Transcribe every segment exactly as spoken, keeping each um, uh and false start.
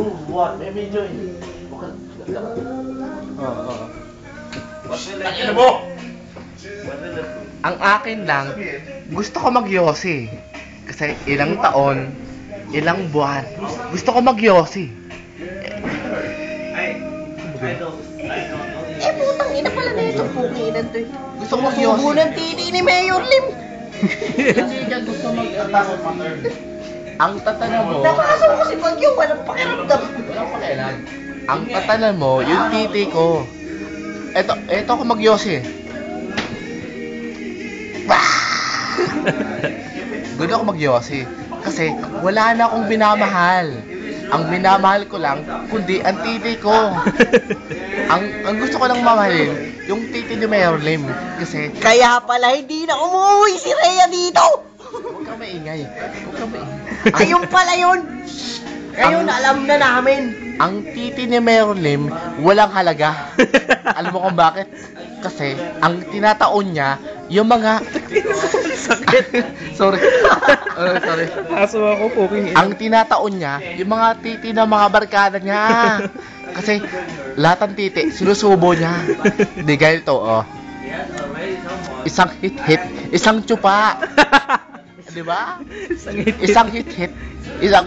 Two, one, may medyo eh. Oo, oo. Ano mo? Ang akin lang, gusto ko mag-yosi. Kasi ilang taon, ilang buwan, gusto ko mag-yosi. Eh, putang ina pala na ito. Pukinan to eh. Gusto ko mag-yosi. Subo ng titi ni Mayor Lim. Hindi ka gusto mag-attack on matter. Ang tatanan mo, Napasok ko si Bagyo. Walang pakiramdam. Walang pakialam. ang tatanan mo, yung titi ko. Eto, eto ako mag-yosi. Gusto ako mag-yosi. Kasi wala na akong binamahal. Ang minamahal ko lang, kundi ang titi ko. Ang ang gusto ko lang mamahalin, yung titi ni Mayor Lim. Kasi, Kaya pala hindi na umuwi si Rhea dito. huwag kang maingay. Huwag kang maingay. Ayun pala yun. Ngayon Ang- alam na namin. Ang titi ni Mayor Lim, walang halaga. Alam mo kung bakit? Kasi, ang tinataon niya, yung mga... Sakit. sorry. Uh, sorry. Aso ako po. Ang tinataon niya, yung mga titi ng mga barkada niya. Kasi, lahat ng titi, sinusubo niya. Di ganito, oh. Isang hit-hit, isang tsupa. Di ba? Isang hit. Isang hit-hit, isang...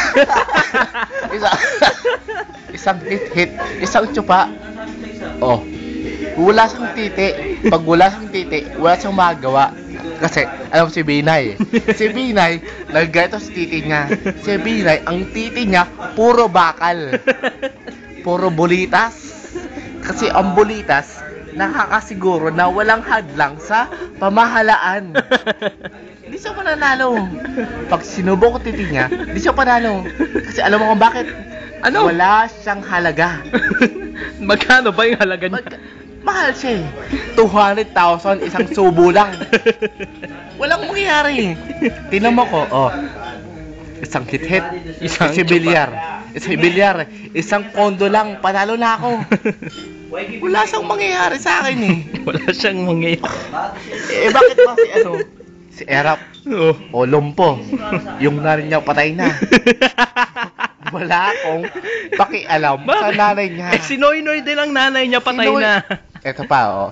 isang... isang hit-hit, isang tsupa. Oh. Wala siyang titi. Pag wala siyang titi, wala siyang magagawa. Kasi, alam mo si Binay. Si Binay, naggaito sa titi niya. Si Binay, ang titi niya, puro bakal. Puro bulitas. Kasi ang bulitas, nakakasiguro na walang hadlang sa pamahalaan. Hindi siya pananalo. Pag sinubo ko titi niya, hindi siya panalo. Kasi alam mo kung bakit? Ano? Wala siyang halaga. Magkano ba yung halaga niya? Mag- mahal siya eh. two hundred thousand isang subo lang. Walang mangyayari. Tingnan mo ko, oh. Isang hit-hit, isang si bilyar. Isang bilyar, isang kondo lang, panalo na ako. Wala siyang mangyayari sa akin eh. Wala siyang mangyayari. Eh bakit ba si ano? Si Erap Oo. o Lumpo, yung nanay niya patay na. Wala akong pakialam sa nanay niya. Eh, si Noy Noy din ang nanay niya patay Si Noy- na. Eto pa, oh.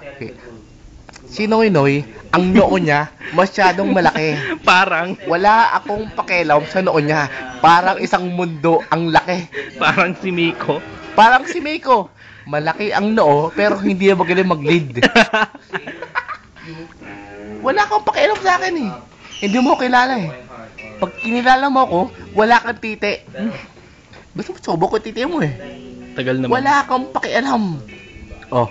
Si Noy Noy, ang noo niya masyadong malaki. Parang, Wala akong pakialam sa noo niya. Parang isang mundo ang laki. parang si Miko. Parang si Miko. Malaki ang noo, pero hindi na magaling mag-lead. Wala akong pakialam sa akin eh. Hindi mo ko kilala eh. Pag kinilala mo ako, wala kang titi. Gusto mo subo ko titi mo eh. Tagal naman. Wala kang pakialam. Oh.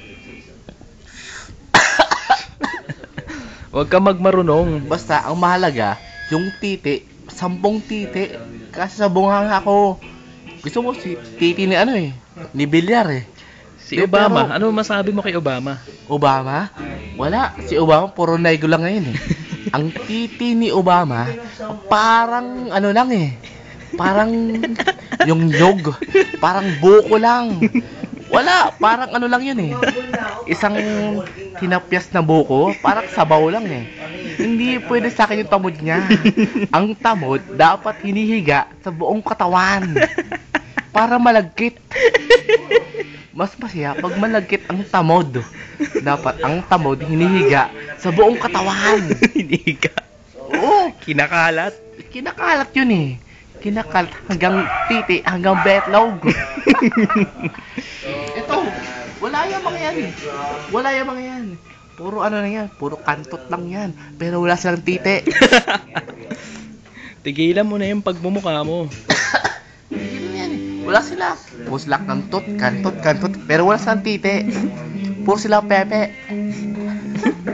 Huwag ka magmarunong. Basta, ang mahalaga, yung titi, sampung titi. Kasi sa bunganga ko, gusto mo si titi ni ano eh, ni Bilyar eh. Si Eh, Obama, pero- ano masabi mo kay Obama? Obama? Wala. Si Obama, puro naigo lang ngayon eh. Ang titi ni Obama, parang ano lang eh. Parang yung nyog. Parang buko lang. Wala. Parang ano lang yun eh. Isang tinapyas na buko, parang sabaw lang eh. Hindi pwede sa akin yung tamod niya. Ang tamod, dapat hinihiga sa buong katawan. Para malagkit. Mas masaya pag malagkit ang tamod. Dapat ang tamod hinihiga sa buong katawan. Hindi ka. Oo, Kinakalat. kinakalat yun eh. Kinakalat hanggang titi, hanggang betlog. Ito, wala yung mga yan eh. Wala yung mga yan. Puro ano na yan, puro kantot lang yan. Pero wala silang titi. Tigilan mo na yung pagmumukha mo. Yun yan eh. Wala sila. Puro sila kantot, kantot, kantot. Pero wala silang titi. Puro sila pepe.